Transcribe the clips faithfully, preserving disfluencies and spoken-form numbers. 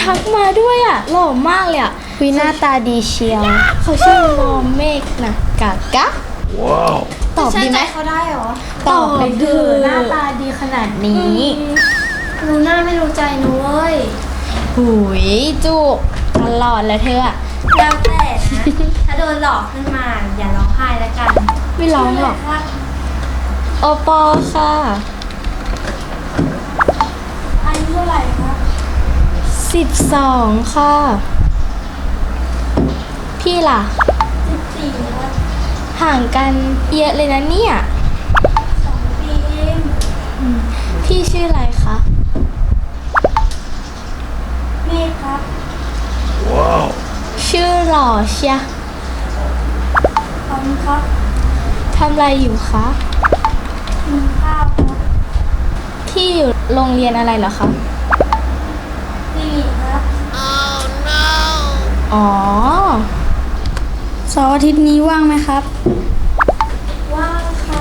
ทักมาด้วยอ่ะหล่อมากเลยอ่ะวิหน้าตาดีเชียวเขาชื่อโมเมกนะกากะว้าวตอบดีไหมเขาได้เหรอตอบเลยเธอหน้าตาดีขนาดนี้รู้หน้าไม่รู้ใจนุ้ยหุยจุกตลอดเลยเธออะแล้วแต่นะถ้าโดนหลอกขึ้นมาอย่าร้องไห้แล้วกันไม่ร้องหรอกโอปอค่ะอายุเท่าไหร่คะสิบสองค่ะพี่ล่ะสิบสี่ครับห่างกันเยอะเลยนะเนี่ยสองปีเองพี่ชื่ออะไรคะเมฆครับว้าวชื่อหล่อเชียขอบคุณครับทำอะไรอยู่คะกินข้าวครับที่อยู่โรงเรียนอะไรเหรอคะดีครับ oh no อ๋อเสาร์อาทิตย์นี้ว่างไหมครับว่างค่ะ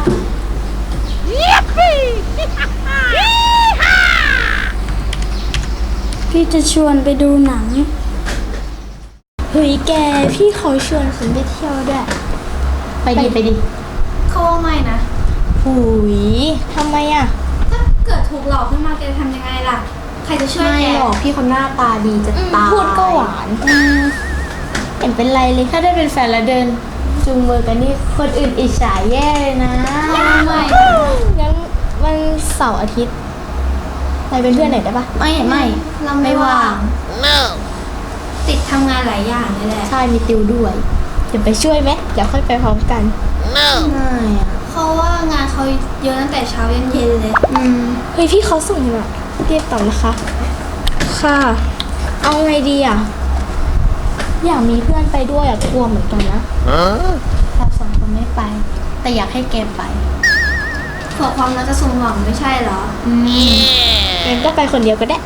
พี่จะชวนไปดูหนังเฮ้ยแกพี่เขาชวนฉันไปเที่ยวด้วยไปดิไปดิเขาว่าไม่นะหุยทำไมอ่ะถ้าเกิดถูกหลอกขึ้นมาแกจะทำยังไงล่ะใครจะช่วยแกไม่หรอกพี่คนหน้าตาดีจะตายพูดก็หวานเห็นเป็นไรเลยถ้าได้เป็นแฟนแล้วเดินจูงมือกันนี่คนอื่นอิจฉาแย่เลยนะไม่งั้นวันเสาร์อาทิตย์ไปเป็นเพื่อนหน่อยได้ปะไม่ไม่เราไม่ว่าง no ติดทำงานหลายอย่างเลยแหละใช่มีติวด้วยเดี๋ยวไปช่วยไหมเดี๋ยวค่อยไปพร้อมกัน no ไม่อะเพราะว่างานเขาเยอะตั้งแต่เช้ายันเย็นเลยอืมเฮ้ยพี่เขาส่งมาเรียกต่อนะคะค่ะเอาไงดีอ่ะอยากมีเพื่อนไปด้วยอ่ะกลัวเหมือนกันนะเราสองคนไม่ไปแต่อยากให้แกไปเผื่อความรักจะสมหวังไม่ใช่เหรออืมงั้นก็ไปคนเดียวก็ได้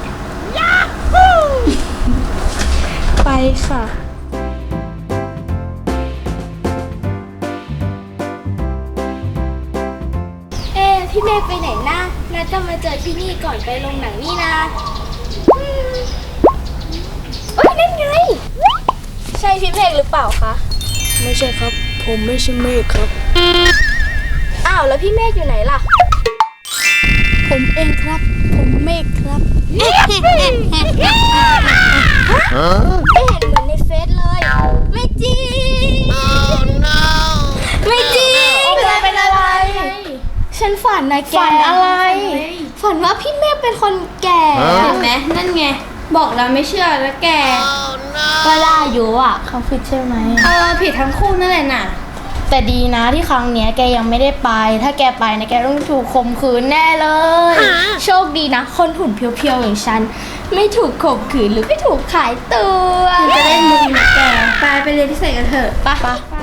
ไปค่ะเอ๊พี่เมฆไปไหนนะนัดจะมาเจอที่นี่ก่อนไปโรงหนังนี่นะเอ้ยนั่นไงใช่พี่เมฆหรือเปล่าคะไม่ใช่ครับผมไม่ใช่เมฆครับอ้าวแล้วพี่เมฆอยู่ไหนล่ะผมเองครับผมเมฆครับไม่เห็นเหมือนในเฟซเลยไม่จริง oh, no. ไม่จริงเป็นอะไรฉันฝันนะแกฝันอะไรฝันว่าพี่เมฆเป็นคนแก่เห็นไหมนั่นไงบอกแล้วไม่เชื่อแล้วแกก็ได้อยู่อ่ะเขาผิดใช่ไหมเออผิดทั้งคู่นั่นแหละน่ะแต่ดีนะที่ครั้งเนี้ยแกยังไม่ได้ไปถ้าแกไปนะแกต้องถูกข่มขืนแน่เลยโชคดีนะคนหุ่นเพียวๆอย่างฉันไม่ถูกข่มขืนหรือไม่ถูกขายตัวจะได้มึงนะแกไปไปเรียนพิเศษกันเถอะไป